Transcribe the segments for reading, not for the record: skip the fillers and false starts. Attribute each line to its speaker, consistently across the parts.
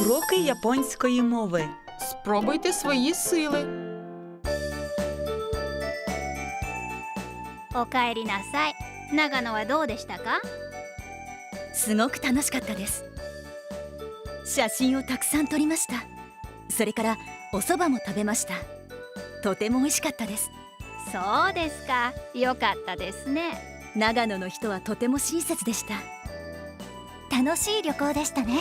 Speaker 1: Уроки японської мови.
Speaker 2: Спробуйте свої сили.
Speaker 3: おかえりなさい。長野はどうでしたか？
Speaker 4: すごく楽しかったです。写真をたくさん撮りました。それからお蕎麦も食べました。とても美味しかったです。
Speaker 3: そうですか。よかったですね。
Speaker 4: 長野の人はとても親切でした。楽しい旅行でしたね。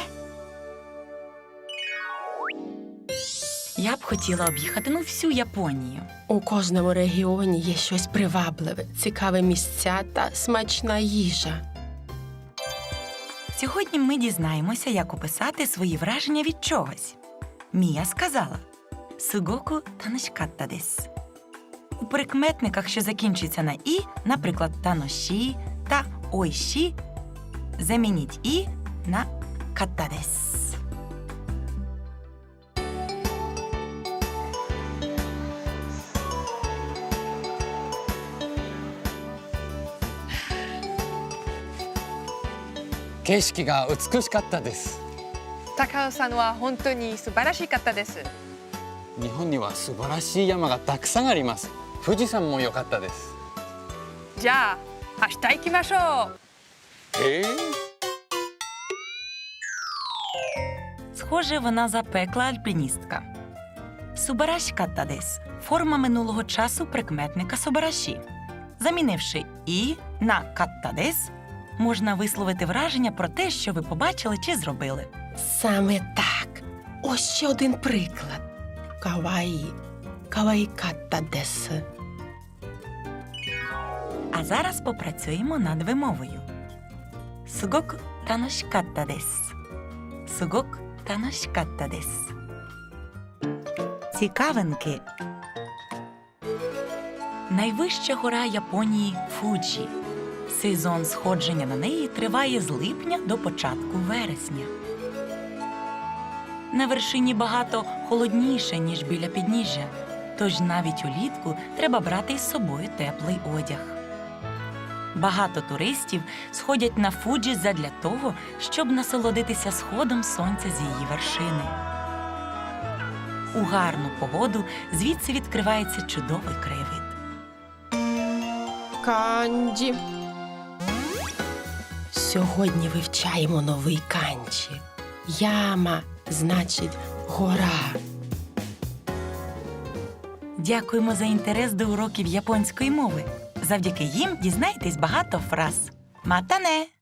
Speaker 1: Я б хотіла об'їхати всю Японію.
Speaker 2: У кожному регіоні є щось привабливе, цікаві місця та смачна їжа.
Speaker 1: Сьогодні ми дізнаємося, як описати свої враження від чогось. Мія сказала «Сугоку таношкатта дес». У прикметниках, що закінчуються на «і», наприклад, «таноші» та «ойші», замініть «і» на «катта дес».
Speaker 5: «景色が美しかったです。
Speaker 6: 高尾さんは本当に素晴らしかったです。
Speaker 5: 日本には素晴らしい山がたくさんあります。富士山も良かったです。
Speaker 6: じゃあ明日行きましょう。
Speaker 1: Схоже, вона запекла альпіністка. Субараші-катта дес – форма минулого часу прикметника собараші. Замінивши «і» на «катта дес», можна висловити враження про те, що ви побачили чи зробили.
Speaker 2: Саме так. Ось ще один приклад. Каваї. Каваїкатта дес.
Speaker 1: А зараз попрацюємо над вимовою. Сугоку таношкатта дес. Сугоку таношкатта дес. Цікавинки. Найвища гора Японії – Фуджі. Сезон сходження на неї триває з липня до початку вересня. На вершині багато холодніше, ніж біля підніжжя, тож навіть улітку треба брати із собою теплий одяг. Багато туристів сходять на Фуджі задля того, щоб насолодитися сходом сонця з її вершини. У гарну погоду звідси відкривається чудовий краєвид.
Speaker 2: Канджі. Сьогодні вивчаємо новий канджі. Яма значить гора.
Speaker 1: Дякуємо за інтерес до уроків японської мови. Завдяки їм дізнаєтесь багато фраз. Матане!